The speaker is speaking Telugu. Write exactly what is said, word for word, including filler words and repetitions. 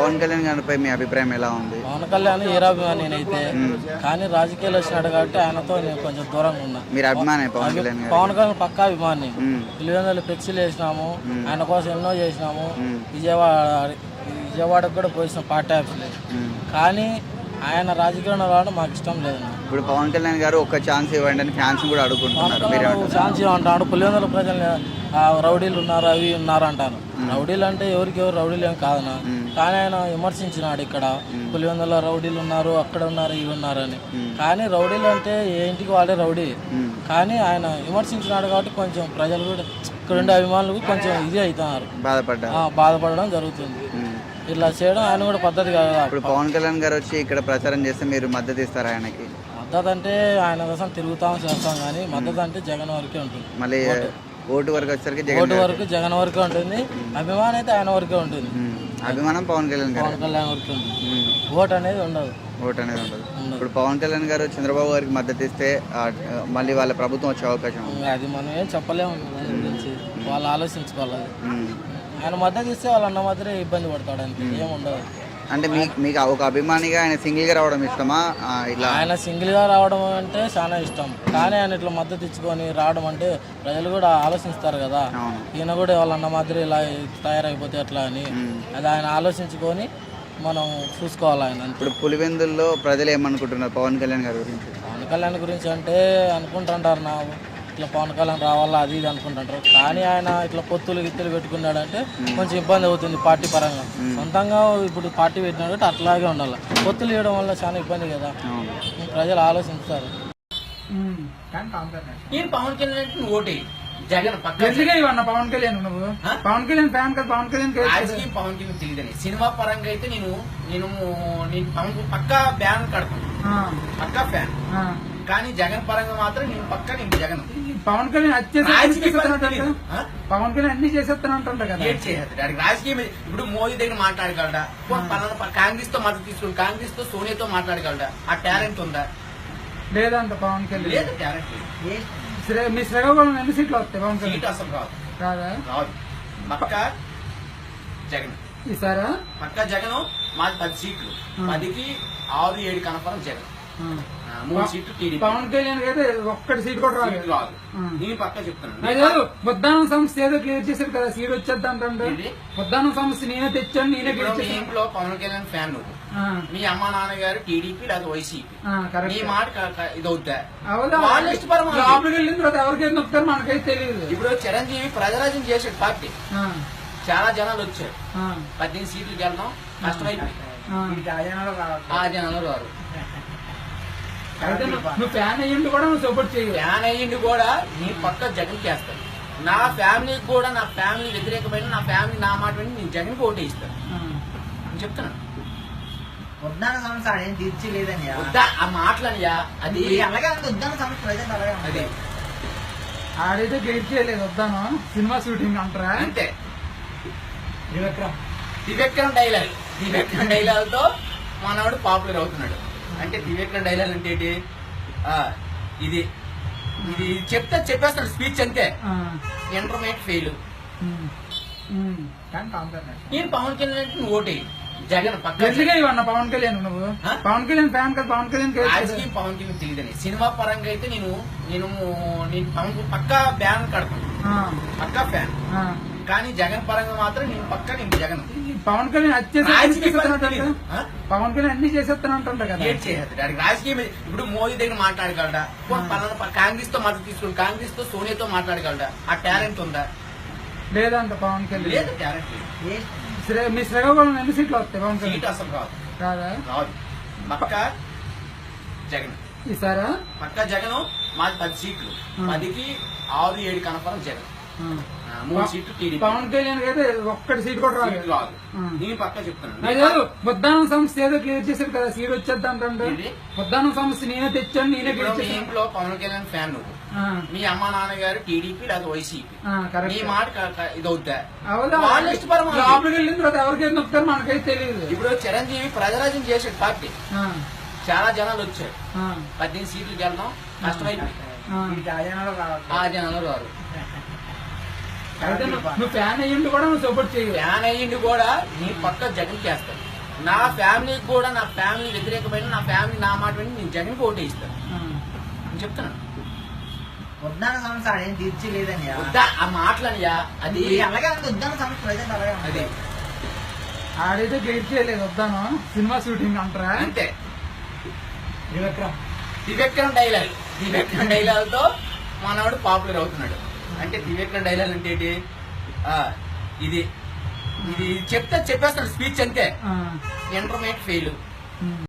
పవన్ కళ్యాణ్ గారిపై మీ అభిప్రాయం ఎలా ఉంది? పవన్ కళ్యాణ్ ఏరాభిమాని నేనైతే, కానీ రాజకీయాలు వచ్చినాడు కాబట్టి ఆయనతో నేను కొంచెం దూరంగా ఉన్నా. మీరు అభిమానే పవన్ కళ్యాణ్ గారు? పవన్ కళ్యాణ్ పక్కా అభిమాని. పిల్లలు ఫ్లెక్సీలు వేసినాము, ఆయన కోసం ఎన్నో చేసినాము. విజయవాడ విజయవాడకు కూడా పోయినాం పార్టీ ఆఫీస్లో. కానీ ఆయన రాజకీయంలో రావడం మాకు ఇష్టం లేదు. ఇప్పుడు పవన్ కళ్యాణ్ గారు ఒక ఛాన్స్ ఇవ్వండి అని ఫ్యాన్స్ కూడా అడుగుకుంటున్నారు. ఛాన్స్ ఇవ్వంటాడు. పులివెందుల ప్రజలు రౌడీలు ఉన్నారు, అవి ఉన్నారు అంటాను. రౌడీలు అంటే ఎవరికి ఎవరు రౌడీలు ఏం కాదనా, కానీ ఆయన విమర్శించినాడు ఇక్కడ పులివెందుల రౌడీలు ఉన్నారు, అక్కడ ఉన్నారు, ఇవి ఉన్నారు అని. కానీ రౌడీలు అంటే ఏ ఇంటికి వాళ్ళే రౌడీ. కానీ ఆయన విమర్శించినాడు కాబట్టి కొంచెం ప్రజలు కూడా ఇక్కడ ఉండే అభిమానులు కొంచెం ఇది అవుతున్నారు, బాధపడ్డా బాధపడడం జరుగుతుంది. ఇలా చేయడం ఆయన కూడా పద్ధతి కాదు. ఇప్పుడు పవన్ కళ్యాణ్ గారు వచ్చి ఇక్కడ ప్రచారం చేస్తే మీరు మద్దతు ఇస్తారా ఆయనకి? మద్దతు అంటే ఆయన కోసం తిరుగుతాం చేస్తాం, కానీ మద్దతు అంటే జగన్ వరకే ఉంటుంది. మళ్ళీ ఓటు వరకు వచ్చేసరికి ఓటు వరకు జగన్ వరకే ఉంటుంది, అభిమానం అయితే ఆయన వరకే ఉంటుంది. అభిమానం పవన్ కళ్యాణ్ గారు, పవన్ కళ్యాణ్ వరకే ఉంటుంది. ఓటు అనేది ఉండదు. ఓటు అనేది ఉండదు. ఇప్పుడు పవన్ కళ్యాణ్ గారు చంద్రబాబు గారికి మద్దతు ఇస్తే మళ్ళీ వాళ్ళ ప్రభుత్వం వచ్చే అవకాశం ఉంది. అది మనం ఏం చెప్పలేము, దాని గురించి వాళ్ళు ఆలోచించుకోవాలి. ఆయన మద్దతు ఇస్తే వాళ్ళు అన్న మాత్రమే ఇబ్బంది పడతాడు, అంతే, ఏముండదు. అంటే మీకు మీకు ఒక అభిమానిగా ఆయన సింగిల్గా రావడం ఇష్టమా? ఇలా ఆయన సింగిల్గా రావడం అంటే చాలా ఇష్టం, కానీ ఆయన ఇట్లా మద్దతు ఇచ్చుకొని రావడం అంటే ప్రజలు కూడా ఆలోచిస్తారు కదా, ఈయన కూడా వాళ్ళన్న మాదిరి ఇలా తయారైపోతే ఎట్లా అని. అది ఆయన ఆలోచించుకొని మనం చూసుకోవాలి. ఆయన ఇప్పుడు పులివెందుల్లో ప్రజలు ఏమనుకుంటున్నారు పవన్ కళ్యాణ్ గారి గురించి? పవన్ కళ్యాణ్ గురించి అంటే అనుకుంటుంటారు నా ఇట్లా పవన్ కళ్యాణ్ రావాలా అది ఇది అనుకుంటుంటారు, కానీ ఆయన ఇట్లా పొత్తులు గిత్తులు పెట్టుకున్నాడంటే కొంచెం ఇబ్బంది అవుతుంది పార్టీ పరంగా. సొంతంగా ఇప్పుడు పార్టీ పెట్టినాడు అట్లాగే ఉండాలి. పొత్తులు ఇవ్వడం వల్ల చాలా ఇబ్బంది కదా, ప్రజలు ఆలోచిస్తారు. పవన్ కళ్యాణ్ ఓటే జగన్ పవన్ కళ్యాణ్ నువ్వు పవన్ కళ్యాణ్ ఫ్యాన్ కదా, పవన్ కళ్యాణ్ రాజకీయం పవన్ కళ్యాణ్ తెలియదని. సినిమా పరంగా అయితే నేను నేను నేను పవన్ పక్కా బ్యాన్ కడతాను, పక్కా ఫ్యాన్. కానీ జగన్ పరంగా మాత్రం నేను పక్కా నేను జగన్. పవన్ కళ్యాణ్ పవన్ కళ్యాణ్ అన్ని చేసేస్తానంటుంటా కదా, ఏం చేసేస్తాడు రాజకీయం. ఇప్పుడు మోదీ దగ్గర మాట్లాడగలడా? పలానా కాంగ్రెస్ తో మద్దతు తీసుకుని కాంగ్రెస్ తో సోనియాతో మాట్లాడగలడా? ఆ టాలెంట్ ఉందా? లేదంట పవన్ కళ్యాణ్. లేదు టాలెంట్. మీ శ్రీకాకుళం ఎన్ని సీట్లు వస్తాయి పవన్ కళ్యాణ్? సీట్ అసలు రాదు. రాదా? రాదు. పక్కా జగన్ ఈసారా? పక్కా జగన్. మాది పది సీట్లు, పదికి ఆరు ఏడు కన్ఫర్మ్ జగన్. మూడు సీట్లు టీడీపీ. పవన్ కళ్యాణ్ అయితే ఒక్కటి సీట్ కూడా రాదు. రాదు. నేను పక్కా చెప్తున్నాను. ముద్దానం సంస్థ ఏదో క్లియర్ చేశారు కదా, సీట్ వచ్చేద్దాం అంటే. ముద్దానం సంస్థ నేనే తెచ్చాను, నేనే ఇంట్లో పవన్ కళ్యాణ్ ఫ్యాన్ నువ్వు, మీ అమ్మ నాన్నగారు టీడీపీ లేదా వైసీపీ, నీ మాట ఇది అవుతా లోపలికి వెళ్ళిన తర్వాత ఎవరికైతే నొప్పుతారు మనకైతే తెలియదు. ఇప్పుడు చిరంజీవి ప్రజరాజ్యం చేసాడు పార్టీ, చాలా జనాలు వచ్చారు, పద్దెనిమిది సీట్లు గెలడం కష్టమైపోయింది. ఆ జనాలు రారు. నువ్వు ఫ్యాన్ అయ్యింది కూడా నువ్వు సపోర్ట్ చేయ ఫ్యాన్ అయ్యింది కూడా నీ పక్క జగన్ చేస్తాను. నా ఫ్యామిలీకి కూడా నా ఫ్యామిలీ వ్యతిరేకమైన నా ఫ్యామిలీ నా మాట విని నేను జగన్కి ఓటే ఇస్తాను అని చెప్తున్నాను. ఉద్దాన సంస్థ ఏం తీర్చిలేదని ఆ మాటలనియా, అది అలాగే ఉద్దాన సంస్థ ప్రజెంట్ అలాగే అది ఆడైతే గైడ్ చేయలేదు వద్దాను సినిమా షూటింగ్ అంటారా అంతే. త్రివిక్రమ్ త్రివిక్రమ్ డైలాగ్ త్రివిక్రమ్ డైలాగ్ తో మనవాడు పాపులర్ అవుతున్నాడు. అంటే త్రివిక్రమ్ డైలాగ్ అంటే ఏంటి? ఇది ఇది చెప్తే చెప్పేస్తాడు స్పీచ్ అంతే. Intermediate fail. నేను పవన్ కళ్యాణ్ ఓటే జగన్ పక్కా పవన్ కళ్యాణ్ నువ్వు పవన్ కళ్యాణ్ ఫ్యాన్ కదా, పవన్ కళ్యాణ్ రాజకీయం పవన్ కళ్యాణ్ తెలియదని. సినిమా పరంగా అయితే నేను నేను నేను పవన్ పక్కా బ్యాన్ కడతాను, పక్కా ఫ్యాన్. కానీ జగన్ పరంగా మాత్రం నేను పక్కా నేను జగన్. పవన్ కళ్యాణ్ పవన్ కళ్యాణ్ అన్ని చేసేస్తానంటుంటా కదా, ఏం చేసేస్తాడు రాజకీయం. ఇప్పుడు మోదీ దగ్గర మాట్లాడగలడా? పలానా కాంగ్రెస్ తో మద్దతు తీసుకుని కాంగ్రెస్ తో సోనియాతో మాట్లాడగలడా? ఆ టాలెంట్ ఉందా? లేదంట పవన్ కళ్యాణ్. లేదు టాలెంట్. మీ శ్రీకాకుళం ఎన్ని సీట్లు వస్తాయి పవన్ కళ్యాణ్? సీట్ అసలు రాదు. రాదా? రాదు. పక్కా జగన్ ఈసారా? పక్కా జగన్. మాది పది సీట్లు, పదికి ఆరు ఏడు కన్ఫర్మ్ జగన్. మూడు సీట్లు టీడీపీ. పవన్ కళ్యాణ్ అయితే ఒక్కటి సీట్ కూడా రాదు. రాదు. నేను పక్కా చెప్తున్నాను. ముద్దానం సంస్థ ఏదో క్లియర్ చేశారు కదా, సీట్ వచ్చేద్దాం అంటే. ముద్దానం సంస్థ నేనే తెచ్చాను, నేనే ఇంట్లో పవన్ కళ్యాణ్ ఫ్యాన్ నువ్వు, మీ అమ్మ నాన్నగారు టీడీపీ లేదా వైసీపీ, నీ మాట ఇది అవుతా లోపలికి వెళ్ళిన తర్వాత ఎవరికైతే నొప్పుతారు మనకైతే తెలియదు. ఇప్పుడు చిరంజీవి ప్రజరాజ్యం చేసాడు పార్టీ, చాలా జనాలు వచ్చారు, పద్దెనిమిది సీట్లు గెలడం కష్టమైపోయింది. ఆ జనాలు రారు. నువ్వు ఫ్యాన్ అయ్యింది కూడా నువ్వు సపోర్ట్ చేయ ఫ్యాన్ అయ్యింది కూడా నీ పక్క జగన్ చేస్తాను. నా ఫ్యామిలీకి కూడా నా ఫ్యామిలీ వ్యతిరేకమైన నా ఫ్యామిలీ నా మాట విని నేను జగన్ ఓటే ఇస్తాను నేను చెప్తున్నాను. ఉద్దాన సమస్య ఆడేం తీర్చలేదని వద్దా ఆ మాటలనియా అది అలాగే ఉంది ఉద్దాన సమస్య ప్రజెంట్ అలాగే ఉంది. అది ఆడైతే గైడ్ చేయలేదు వద్దాను సినిమా షూటింగ్ అంటారా అంతే. త్రివిక్రమ్ త్రివిక్రమ్ డైలాగ్ త్రివిక్రమ్ డైలాగ్ తో మనవాడు పాపులర్ అవుతున్నాడు. అంటే త్రివిక్రమ్ డైలాగ్ అంటే ఏంటి? ఆ, ఇది ఇది చెప్తే చెప్పేస్తాడు స్పీచ్ అంతే. Intermediate fail